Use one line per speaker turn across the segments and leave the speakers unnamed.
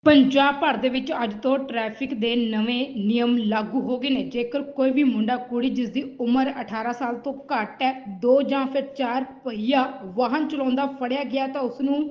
ਪੰਜਾਬ ਭਰ ਦੇ ਵਿੱਚ ਅੱਜ ਤੋਂ ਟ੍ਰੈਫਿਕ ਦੇ ਨਵੇਂ ਨਿਯਮ ਲਾਗੂ ਹੋ ਗਏ ਨੇ। ਜੇਕਰ ਕੋਈ ਵੀ ਮੁੰਡਾ ਕੁੜੀ ਜਿਸ ਦੀ ਉਮਰ 18 ਸਾਲ ਤੋਂ ਘੱਟ ਹੈ, 2 ਜਾਂ ਫਿਰ 4 ਪਹੀਆ ਵਾਹਨ ਚਲਾਉਂਦਾ ਫੜਿਆ ਗਿਆ ਤਾਂ ਉਸ ਨੂੰ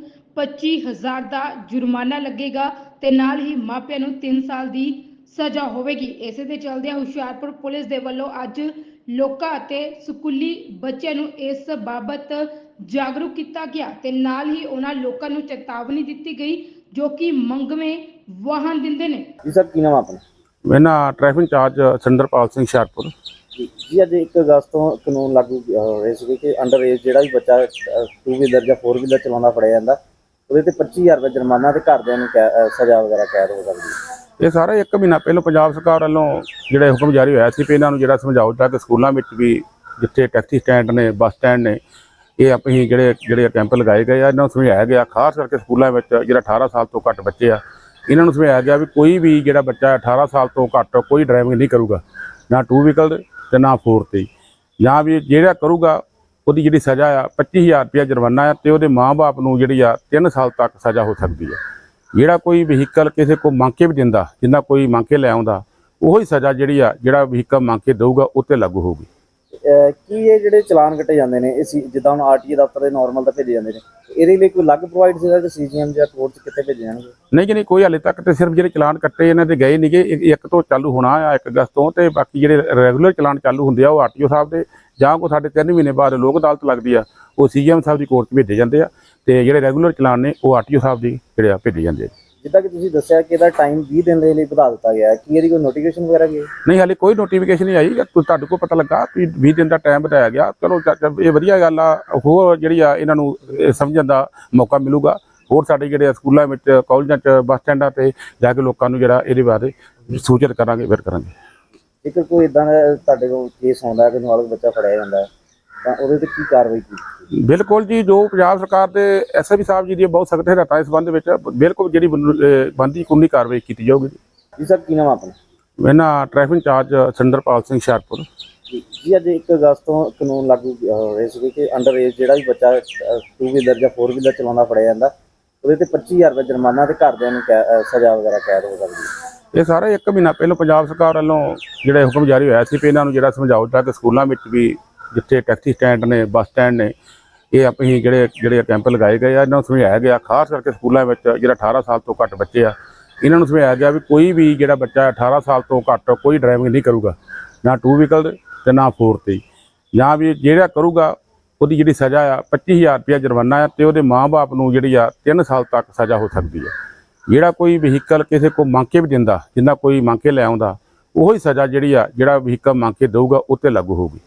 25,000 ਦਾ ਜੁਰਮਾਨਾ ਲੱਗੇਗਾ ਤੇ ਨਾਲ ਹੀ ਮਾਪਿਆਂ ਨੂੰ 3 ਸਾਲ ਦੀ ਸਜ਼ਾ ਹੋਵੇਗੀ। ਇਸੇ ਦੇ ਚੱਲਦਿਆਂ ਹੁਸ਼ਿਆਰਪੁਰ ਪੁਲਿਸ ਦੇ ਵੱਲੋਂ ਅੱਜ ਲੋਕਾਂ ਅਤੇ ਸਕੂਲੀ ਬੱਚਿਆਂ ਨੂੰ ਇਸ ਬਾਬਤ ਜਾਗਰੂਕ ਕੀਤਾ ਗਿਆ ਤੇ ਨਾਲ ਹੀ ਉਹਨਾਂ ਲੋਕਾਂ ਨੂੰ ਚੇਤਾਵਨੀ ਦਿੱਤੀ ਗਈ जो कि मंगवे वाहन दिंदे ने।
जी सर की नाम अपना?
मैं ना ट्रैफिक इंचार्ज सिंदरपाल सिंह हुशियारपुर।
जी अज 1 अगस्त तो कानून लागू हो रहे थे कि अंडर एज जो भी बच्चा 2 व्हीलर या 4 व्हीलर चलाना फड़िया जाता वो 25,000 रुपये जुर्माना तो घरदियां सज़ा वगैरह कैद हो सकती है।
ये सारा 1 महीना पहले पंजाब सरकार वालों जो हुक्म जारी होया सी इन्हां नूं जिहड़ा समझाओ कि स्कूलों में भी जिथे टैक्सी स्टैंड ने बस स्टैंड ने ये अपनी ਜਿਹੜੇ कैंप लगाए गए इन्हों समझाया गया खास करके स्कूलों में जो 18 साल तो घट बच्चे आ इन्हों समझाया गया भी कोई भी जो बच्चा 18 साल तो घट कोई ड्राइविंग नहीं करूगा ना 2 व्हीकल ते ना 4 ते या भी जो करूगा उसकी जी सज़ा आ 25,000 रुपया जुर्माना है तो वो माँ बाप को जी 3 साल तक सज़ा हो सकती है। जोड़ा कोई व्हीकल किसी को मंग के भी दिंदा जिन्ना कोई मंग के लै आउंदा उही सज़ा जी जोड़ा व्हीकल मंग के देगा उत्ते लागू होगी।
की ये जो चलान कटे जाते हैं जिदा हम RTO दफ्तर के नॉर्मल तो भेजे जाते हैं ये कोई अलग प्रोवाइड से CGM या कोर्ट कितने भेजे जाएंगे?
नहीं जी नहीं कोई हाले तक तो सिर्फ जो चलान कट्टे इन्हों के गए नहीं गे 1 तो चालू होना आ 1 अगस्त तो बाकी जो रेगूलर चलान चालू होंगे वो RTO साहब के ਜਾਂ कोई साढ़े 3 महीने बाद लोक अदालत लगती है वो CGM साहब की कोर्ट भेजे जाते हैं तो जो रेगूलर चलान ने वो RTO साहब की जो भेजे जाते हैं।
जिदा कि तुसीं दस्सिया कि टाइम 20 दिन के लिए बढ़ा दिता गया कि ये कोई नोटिफिकेशन वगैरह गई?
नहीं हाले कोई नोटिफिकेशन नहीं आई तुहाडे को पता लगा कि 20 दिन का टाइम बताया गया चलो ये वधिया गल आ होर जिहड़ी आ इन्हां नूं समझण दा मौका मिलूगा होर साडे जिहड़े स्कूलों में कॉलेजां च बस स्टैंडां ते जाके लोकां नूं जिहड़ा इहदे बारे सूचित करांगे फिर करांगे।
जेकर कोई इदां दा तुहाडे कोल केस आउंदा है कि नाबालिग बच्चा फड़िया जांदा है तां उहदे ते की कार्रवाई की?
बिल्कुल जी जो पंजाब सरकार के SSP साहब जी दी बहुत सख्त हिदायतां इस संबंध में बिल्कुल जी बनती कानूनी कार्रवाई की जाऊगी।
जी सर की नाम अपना?
मैं ना ट्रैफिक इंचार्ज सिंदरपाल सिंह हुशियारपुर।
जी अज 1 अगस्त तो कानून लागू हो रहे थे कि अंडर एज जो भी बच्चा 2 व्हीलर या 4 व्हीलर चलाना फड़िया जाता वो 25,000 रुपये जुर्माना तो घरदियां सज़ा वगैरह कैद हो सकती है।
ये सारा 1 महीना पहले पंजाब सरकार वालों जो हुक्म जारी होया सी इन्हां नूं जिहड़ा समझाओ कि स्कूलों में भी जिथे टैक्सी स्टैंड ने बस स्टैंड ने ये अपनी जो कैंप लगाए गए इन्हों समझाया गया खास करके स्कूलों में जो 18 साल तो घट बच्चे आ इन्हों समझाया गया भी कोई भी जो बच्चा 18 साल तो घट कोई ड्राइविंग नहीं करूगा ना 2 व्हीकल ते ना 4 ते या भी जो करूगा उसकी जी सज़ा आ 25,000 रुपया जुर्माना है तो वो माँ बाप को जी 3 साल तक सज़ा हो सकती है। जोड़ा कोई व्हीकल किसी को मंग के भी दिंदा जिन्ना कोई मंग के लै आउंदा उही सज़ा जी जोड़ा व्हीकल मंग के देगा उत्ते लागू होगी।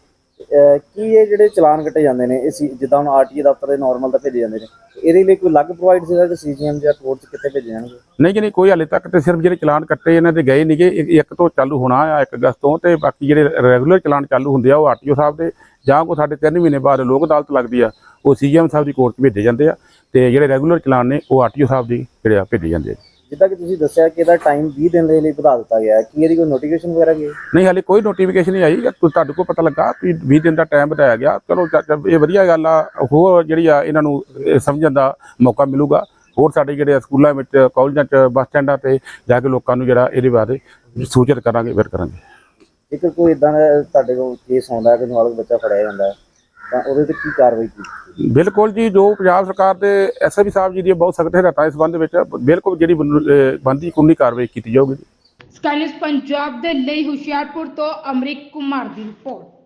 की ये जो चलान कटे जाते हैं जिदा हम RTO दफ्तर के नॉर्मल तो भेजे जाते हैं ये कोई अलग प्रोवाइड से CGM या कोर्ट कितने भेजे जाएंगे?
नहीं जी नहीं कोई हाले तक तो सिर्फ जो चलान कट्टे इन्हों के गए नहीं गे 1 तो चालू होना आ 1 अगस्त तो बाकी जो रेगूलर चलान चालू होंगे वो RTO साहब के ਜਾਂ कोई साढ़े 3 महीने बाद लोक अदालत लगती है वो CGM साहब की कोर्ट भेजे जाते हैं तो जो रेगूलर चलान ने वो RTO साहब की जो भेजे जाते हैं।
जिदा कि तुसीं दस्सिया कि टाइम 20 दिन के लिए बढ़ा दिता गया कि ये कोई नोटिफिकेशन वगैरह गई?
नहीं हाले कोई नोटिफिकेशन नहीं आई तुहाडे को पता लगा कि 20 दिन का टाइम बताया गया चलो ये वधिया गल आ होर जिहड़ी आ इन्हां नूं समझण दा मौका मिलूगा होर साडे जिहड़े स्कूलों में कॉलेजां च बस स्टैंडां ते जाके लोकां नूं जिहड़ा इहदे बारे सूचित करांगे फिर करांगे।
जेकर कोई इदां दा तुहाडे कोल केस आउंदा है कि नाबालिग बच्चा फड़िया जांदा है तां उहदे ते की कार्रवाई की?
बिल्कुल जी जो पंजाब सरकार के SSP साहब जी दी बहुत सख्त हिदायतां इस संबंध में बिल्कुल जी बनती कानूनी कार्रवाई की जाऊगी।
स्काई न्यूज़ पंजाब दे लई हुशियारपुर तो अमरीक कुमार दी रिपोर्ट।